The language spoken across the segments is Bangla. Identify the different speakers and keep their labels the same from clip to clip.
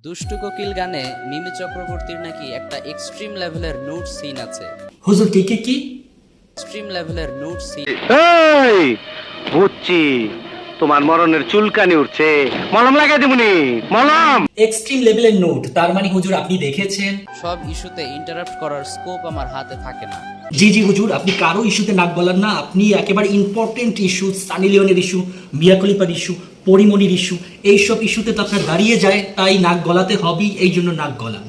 Speaker 1: দুষ্টু কোকিল গানে মিমি চক্রবর্তীর নাকি একটা এক্সট্রিম লেভেলের নুড সিন আছে।
Speaker 2: হুজুর কি কি কি
Speaker 1: এক্সট্রিম লেভেলের নুড সিন।
Speaker 3: এই বুঝছি, তোমার মরণের চুলকানি উঠছে, মলম লাগাই দিবনি, মলম।
Speaker 2: এক্সট্রিম লেভেলের নোট, তার মানে হুজুর আপনি দেখেছেন?
Speaker 1: সব ইস্যুতে ইন্টারাপ্ট করার স্কোপ আমার হাতে থাকে না।
Speaker 2: জি জি হুজুর, আপনি কারো ইস্যুতে নাক গলান না। আপনি একেবারে ইম্পর্টেন্ট ইস্যু, সানি লিওনের ইস্যু, মিয়া খলিফার ইস্যু, পরিমণির ইস্যু, এইসব ইস্যুতে তো আপনার দাঁড়িয়ে যায়, তাই নাক গলাতে হবেই, এই জন্য নাক গলান।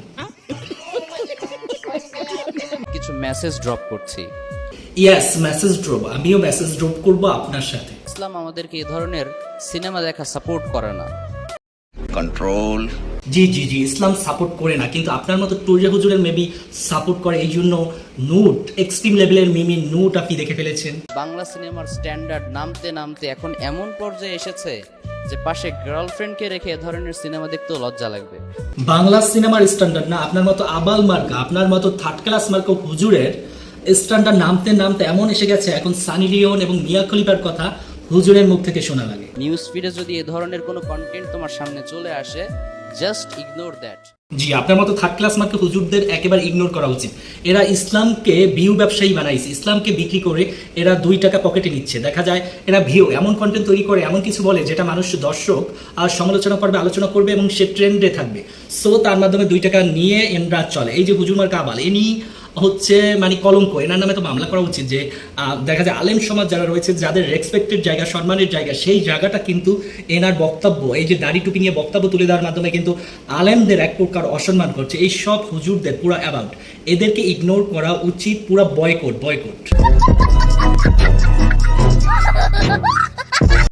Speaker 1: কিছু মেসেজ ড্রপ করছি।
Speaker 2: ইয়াস, মেসেজ ড্রপ, আমিও মেসেজ ড্রপ করব আপনার সাথে।
Speaker 1: ইসলাম আমাদেরকে এই ধরনের সিনেমা দেখা সাপোর্ট করে না।
Speaker 3: কন্ট্রোল।
Speaker 2: জি জি জি, ইসলাম সাপোর্ট করে না, কিন্তু আপনার মতো টুরিয়া হুজুরের মেবি সাপোর্ট করে, এই জন্য নুট, এক্সট্রিম লেভেলের মিমি নুট আপনি দেখে ফেলেছেন।
Speaker 1: বাংলা সিনেমার স্ট্যান্ডার্ড নামতে নামতে এখন এমন পর্যায়ে এসেছে যে পাশে গার্লফ্রেন্ডকে রেখে এ ধরনের সিনেমা দেখতেও লজ্জা লাগবে।
Speaker 2: বাংলা সিনেমার স্ট্যান্ডার্ড না, আপনার মতো আবাল মার্কা, আপনার মতো থার্ড ক্লাস মার্কা হুজুরের স্ট্যান্ডার্ড নামতে নামতে এমন এসে গেছে, এখন সানি লিওন এবং মিয়া খলিফার কথা হুজুরের মুখ থেকে শোনা লাগে।
Speaker 1: নিউজ ফিডে যদি এ ধরনের কোনো কন্টেন্ট তোমার সামনে চলে আসে, জাস্ট ইগনোর দ্যাট।
Speaker 2: জি, আপনার মতো থার্ড ক্লাস মার্কা হুজুরদের একেবারে ইগনোর করা উচিত। এরা ইসলামকে ভিউ ব্যবসায়ী বানাইছে, ইসলামকে বিক্রি করে এরা 2 টাকা পকেটে নিচ্ছে। দেখা যায় এরা ভিউ এমন কন্টেন্ট তৈরি করে, এমন কিছু বলে যেটা মানুষ, দর্শক আর সমালোচনা করবে, আলোচনা করবে এবং সে ট্রেন্ডে থাকবে। সো তার মাধ্যমে 2 টাকা নিয়ে এনরা চলে। এই যে হুজুর মার্কা আবাল, ইনি হচ্ছে মানে কলঙ্ক, এনার নামে তো মামলা করা উচিত। যে দেখা যায় আলেম সমাজ যারা রয়েছে, যাদের রেসপেক্টেড জায়গা, সম্মানের জায়গা, সেই জায়গাটা কিন্তু এনার বক্তব্য, এই যে দাড়ি টুপি নিয়ে বক্তব্য তুলে দেওয়ার মাধ্যমে কিন্তু আলেমদের এক প্রকার অসম্মান করছে। এই সব হুজুরদের পুরো অ্যাবাউট, এদেরকে ইগনোর করা উচিত, পুরো বয়কট।